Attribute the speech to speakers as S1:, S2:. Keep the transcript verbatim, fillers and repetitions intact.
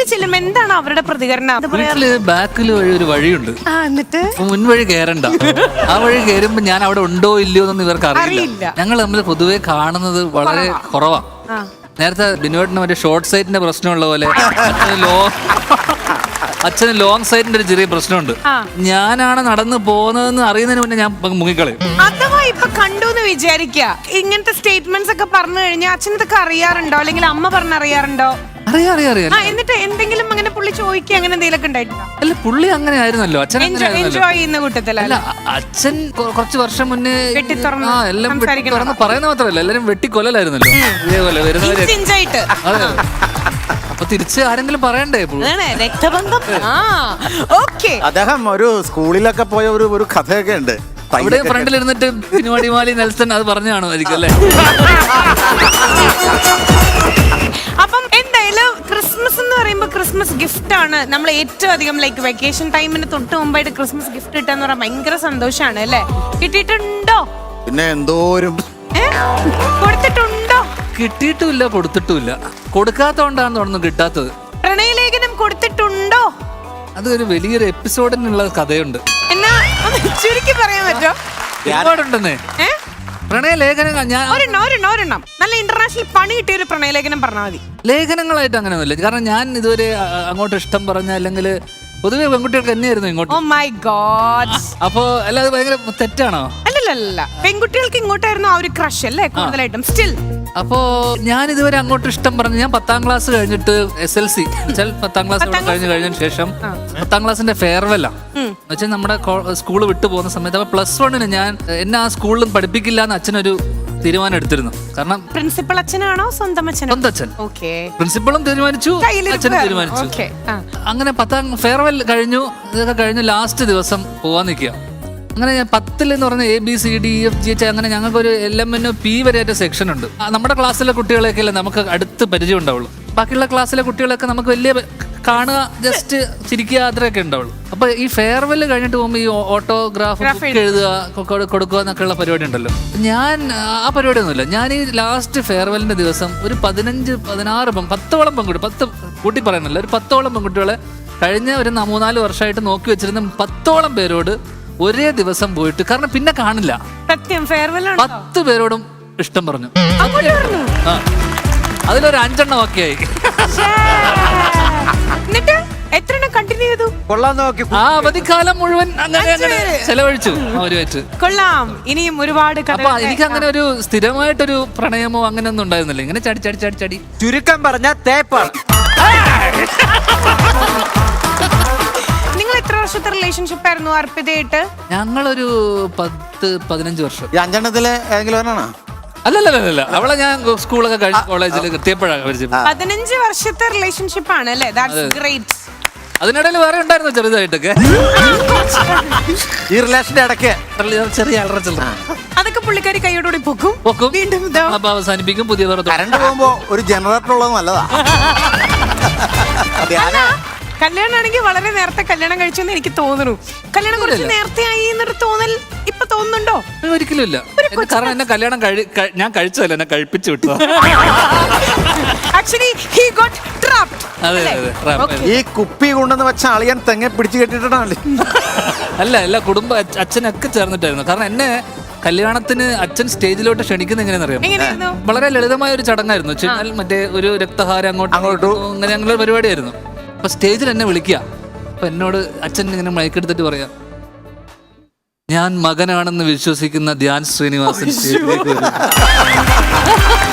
S1: ചെല്ലുമ്പോ എന്താണ് അവരുടെ പ്രതികരണം?
S2: വീട്ടില് ബാക്കിൽ വഴി ഒരു വഴിയുണ്ട്,
S1: എന്നിട്ട്
S2: മുൻവഴി കയറണ്ട. ആ വഴി കയറുമ്പോ ഞാൻ അവിടെ ഉണ്ടോ ഇല്ലയോ എന്നൊന്നും ഇവർക്ക് അറിയില്ല. ഞങ്ങൾ തമ്മിൽ പൊതുവെ കാണുന്നത് വളരെ കുറവാ. നേരത്തെ ബിനോട്ടിന് മറ്റേ ഷോർട്ട് സൈറ്റിന്റെ പ്രശ്നമുള്ള പോലെ അച്ഛന് ലോ അച്ഛന് ലോങ് സൈറ്റിന്റെ ഒരു ചെറിയ പ്രശ്നമുണ്ട്. ഞാനാണ് നടന്നു പോകുന്നതെന്ന് അറിയുന്നതിന് മുന്നേ ഞാൻ മുങ്ങിക്കളയും.
S1: അഥവാ ഇപ്പൊ കണ്ടു എന്ന് വിചാരിക്കുക, ഇങ്ങനത്തെ സ്റ്റേറ്റ്മെന്റ്സ് ഒക്കെ പറഞ്ഞു കഴിഞ്ഞാൽ അച്ഛൻ ഇതൊക്കെ അറിയാറുണ്ടോ, അല്ലെങ്കിൽ അമ്മ പറഞ്ഞറിയാറുണ്ടോ?
S2: അറിയാം അറിയാം അറിയാം.
S1: എന്നിട്ട് എന്തെങ്കിലും അങ്ങനെ പുള്ളി ചോദിക്കുക അങ്ങനെ എന്തെങ്കിലും ഉണ്ടായിട്ടുണ്ടോ?
S2: അല്ല, പുള്ളി അങ്ങനെ ആയിരുന്നല്ലോ, അച്ഛൻ
S1: എൻജോയ് ചെയ്യുന്ന കൂട്ടത്തിലല്ല.
S2: അച്ഛൻ കുറച്ച് വർഷം മുന്നേ
S1: വെട്ടി തുറന്ന്
S2: ആ എല്ലാം തുറന്ന് പറയുന്ന മാത്രമല്ല, എല്ലാരും വെട്ടിക്കൊല്ലലായിരുന്നല്ലോ ഇതേപോലെ വരുന്നവര്. അതെ, അപ്പൊ തിരിച്ച് ആരെങ്കിലും പറയണ്ടേ?
S1: രക്തബന്ധം.
S3: അദ്ദേഹം ഒരു സ്കൂളിലൊക്കെ പോയ ഒരു ഒരു കഥയൊക്കെ ഉണ്ട്.
S2: അവിടെ ഫ്രണ്ടിൽ ഇരുന്നിട്ട് പിന്നുവാടിമാലി നെൽസൺ അത് പറഞ്ഞു കാണുമായിരിക്കും അല്ലേ?
S1: അപ്പം എന്തായാലും ക്രിസ്മസ് എന്ന് പറയുമ്പോൾ ക്രിസ്മസ് ഗിഫ്റ്റ് ആണ് നമ്മൾ ഏറ്റവും അധികം ലൈക്ക് വെക്കേഷൻ ടൈമിന് തൊട്ട് മുമ്പായിട്ട് ക്രിസ്മസ് ഗിഫ്റ്റ് കിട്ടാന്ന് പറഞ്ഞാൽ ഭയങ്കര സന്തോഷമാണ് അല്ലേ? കിട്ടിയിട്ടുണ്ടോ?
S3: പിന്നെ എന്തോരും
S1: കൊടുത്തിട്ടുണ്ടോ?
S2: കിട്ടിയിട്ടുമില്ല, കൊടുത്തിട്ടുമില്ല. കൊടുക്കാത്തോണ്ടാന്ന് തോന്നുന്നു കിട്ടാത്തത്.
S1: പ്രണയലേഖനം കൊടുത്തിട്ടുണ്ടോ?
S2: അത് ഒരു വലിയൊരു എപ്പിസോഡിനുള്ള കഥയുണ്ട്.
S1: എന്നാ ചുരുക്കി പറയാൻ പറ്റോ?
S2: ഒരുപാടുണ്ടെന്നേ പ്രണയലേഖനങ്ങൾ. ഞാൻ
S1: ഒരെണ്ണം ഒരെണ്ണം ഒരെണ്ണം നല്ല ഇന്റർനാഷണൽ പണി കിട്ടിയ ഒരു പ്രണയലേഖനം പറഞ്ഞാൽ മതി.
S2: ലേഖനങ്ങളായിട്ട് അങ്ങനെയൊന്നുമില്ല. കാരണം ഞാൻ ഇതുവരെ അങ്ങോട്ട് ഇഷ്ടം പറഞ്ഞ അല്ലെങ്കിൽ പൊതുവെ പെൺകുട്ടികൾക്ക് തന്നെയായിരുന്നു ഇങ്ങോട്ട്.
S1: Oh my God.
S2: അപ്പൊ അല്ലാതെ ഭയങ്കര തെറ്റാണോ?
S1: അല്ലല്ല, പെൺകുട്ടികൾക്ക് ഇങ്ങോട്ടായിരുന്നു ആ ഒരു ക്രഷ് അല്ലേ കൂടുതലായിട്ടും സ്റ്റിൽ.
S2: അപ്പോ ഞാൻ ഇതുവരെ അങ്ങോട്ട് ഇഷ്ടം പറഞ്ഞു. ഞാൻ പത്താം ക്ലാസ് കഴിഞ്ഞിട്ട് എസ് എൽ സി പത്താം ക്ലാസ് കഴിഞ്ഞ് കഴിഞ്ഞതിന് ശേഷം പത്താം ക്ലാസ്സിന്റെ ഫെയർവെല്ലാ എന്നുവെച്ചാൽ നമ്മുടെ സ്കൂള് വിട്ടു പോകുന്ന സമയത്ത്. അപ്പൊ പ്ലസ് വണ്ണിന് ഞാൻ എന്നെ ആ സ്കൂളിലും പഠിപ്പിക്കില്ല എന്ന് അച്ഛനൊരു തീരുമാനം എടുത്തിരുന്നു. കാരണം
S1: പ്രിൻസിപ്പൽ അച്ഛനാണോ സ്വന്തം അച്ഛൻ?
S2: സ്വന്തം അച്ഛൻ. പ്രിൻസിപ്പളും തീരുമാനിച്ചു, അച്ഛനും തീരുമാനിച്ചു. അങ്ങനെ പത്താം ഫെയർവെൽ കഴിഞ്ഞു. ഇതൊക്കെ കഴിഞ്ഞ് ലാസ്റ്റ് ദിവസം പോവാൻ നിൽക്കുക. അങ്ങനെ ഞാൻ പത്തിൽ എന്ന് പറഞ്ഞ A B C D F G H അങ്ങനെ ഞങ്ങൾക്കൊരു എൽ എം എൻ പി വരെയായിട്ട് സെക്ഷൻ ഉണ്ട്. നമ്മുടെ ക്ലാസ്സിലെ കുട്ടികളെയൊക്കെ അല്ലേ നമുക്ക് അടുത്ത് പരിചയം ഉണ്ടാവുള്ളൂ. ബാക്കിയുള്ള ക്ലാസ്സിലെ കുട്ടികളൊക്കെ നമുക്ക് വലിയ കാണുക, ജസ്റ്റ് ചിരിക്കുക, അത്രയൊക്കെ ഉണ്ടാവുള്ളൂ. അപ്പൊ ഈ ഫെയർവെൽ കഴിഞ്ഞിട്ട് പോകുമ്പോൾ ഈ ഓട്ടോഗ്രാഫ് എഴുതുക, കൊടുക്കുക എന്നൊക്കെയുള്ള പരിപാടി ഉണ്ടല്ലോ. ഞാൻ ആ പരിപാടിയൊന്നുമില്ല. ഞാൻ ഈ ലാസ്റ്റ് ഫെയർവെല്ലിന്റെ ദിവസം ഒരു പതിനഞ്ച് പതിനാറ് പത്തോളം പെൺകുട്ടി, പത്ത് കൂട്ടി പറയുന്നില്ല, ഒരു പത്തോളം പെൺകുട്ടികളെ കഴിഞ്ഞ ഒരു മൂന്നാല് വർഷമായിട്ട് നോക്കി വെച്ചിരുന്ന പത്തോളം പേരോട് ഒരേ ദിവസം പോയിട്ട്, കാരണം പിന്നെ കാണില്ല,
S1: സത്യം ഫെയർവെൽ
S2: പത്ത് പേരോടും ഇഷ്ടം പറഞ്ഞു. ആ അതിലൊരു അഞ്ചെണ്ണം ഒക്കെ ആയി. ആ അവധിക്കാലം മുഴുവൻ അങ്ങനെ അങ്ങനെ ചെലവഴിച്ചു അവരുമായിട്ട്.
S1: കൊള്ളാം. ഇനിയും ഒരുപാട്.
S2: അപ്പൊ എനിക്ക് അങ്ങനെ ഒരു സ്ഥിരമായിട്ടൊരു പ്രണയമോ അങ്ങനെ ഒന്നും ഉണ്ടായിരുന്നില്ല. ഇങ്ങനെ ചടി ചടി ചടി ചടി
S3: ചുരുക്കം പറഞ്ഞ തേപ്പാണ്.
S1: നിങ്ങൾ എത്ര വർഷത്തെ റിലേഷൻഷിപ്പ് ആയിരുന്നു അർപ്പിതയായിട്ട്?
S2: ഞങ്ങളൊരു പത്ത് പതിനഞ്ച് വർഷം.
S3: ഈ അഞ്ചെണ്ണത്തിലെ ഏതെങ്കിലും ഒരെണ്ണാണോ?
S2: അല്ലല്ല, അവളെ ഞാൻ സ്കൂളൊക്കെ കഴിഞ്ഞ കോളേജിൽ എത്തിയപ്പോഴാണ് പരിചയം.
S1: പതിനഞ്ച് വർഷത്തെ റിലേഷൻഷിപ്പ് ആണ് അല്ലേ? That's great.
S2: അതിനിടയിൽ വേറെ ഉണ്ടായിരുന്നു ചെറുതായിട്ടൊക്കെ
S3: ഈ റിലേഷന്റെ ഇടയ്ക്ക്
S2: ചെറിയ അലറ ചില്ലറ.
S1: അതൊക്കെ പുള്ളിക്കാരി കൈയോടുകൂടി പൊക്കും
S2: പൊക്കും
S1: വീണ്ടും
S2: അപ്പൊ അവസാനിപ്പിക്കും. പുതിയ
S3: കറണ്ട് പോകുമ്പോ ഒരു ജനറേറ്റർ ഉള്ളത് നല്ലതാ.
S1: കല്യാണമാണെങ്കിൽ വളരെ നേരത്തെ കല്യാണം കഴിച്ചെന്ന് എനിക്ക് തോന്നുന്നു. കല്യാണം കുറച്ച് നേരത്തെ ആയി എന്നൊരു തോന്നൽ ഇപ്പൊ തോന്നുന്നുണ്ടോ?
S2: ഒരിക്കലും ഇല്ല. കാരണം എന്നെ കല്യാണം ഞാൻ കഴിച്ചതല്ല, എന്നെ കഴിപ്പിച്ചു വിട്ടു.
S3: ഈ കുപ്പി കൊണ്ടെന്ന് വെച്ച അളിയൻ തെങ്ങ പിടിച്ചു കെട്ടിട്ടാണല്ലേ?
S2: അല്ല അല്ല, കുടുംബ അച്ഛനൊക്കെ ചേർന്നിട്ടായിരുന്നു. കാരണം എന്നെ കല്യാണത്തിന് അച്ഛൻ സ്റ്റേജിലോട്ട് ക്ഷണിക്കുന്ന എങ്ങനെയാണെന്നറിയാം? വളരെ ലളിതമായ ഒരു ചടങ്ങായിരുന്നു. വെച്ചാൽ മറ്റേ ഒരു രക്തഹാരം അങ്ങോട്ട് അങ്ങോട്ടും അങ്ങനെ ഞങ്ങളൊരു പരിപാടിയായിരുന്നു. അപ്പൊ സ്റ്റേജിൽ എന്നെ വിളിക്കുക. അപ്പൊ എന്നോട് അച്ഛൻ ഇങ്ങനെ മയക്കെടുത്തിട്ട് പറയാ, ഞാൻ മകനാണെന്ന് വിശ്വസിക്കുന്ന ധ്യാൻ ശ്രീനിവാസൻ സ്റ്റേജിലേക്ക് വരും.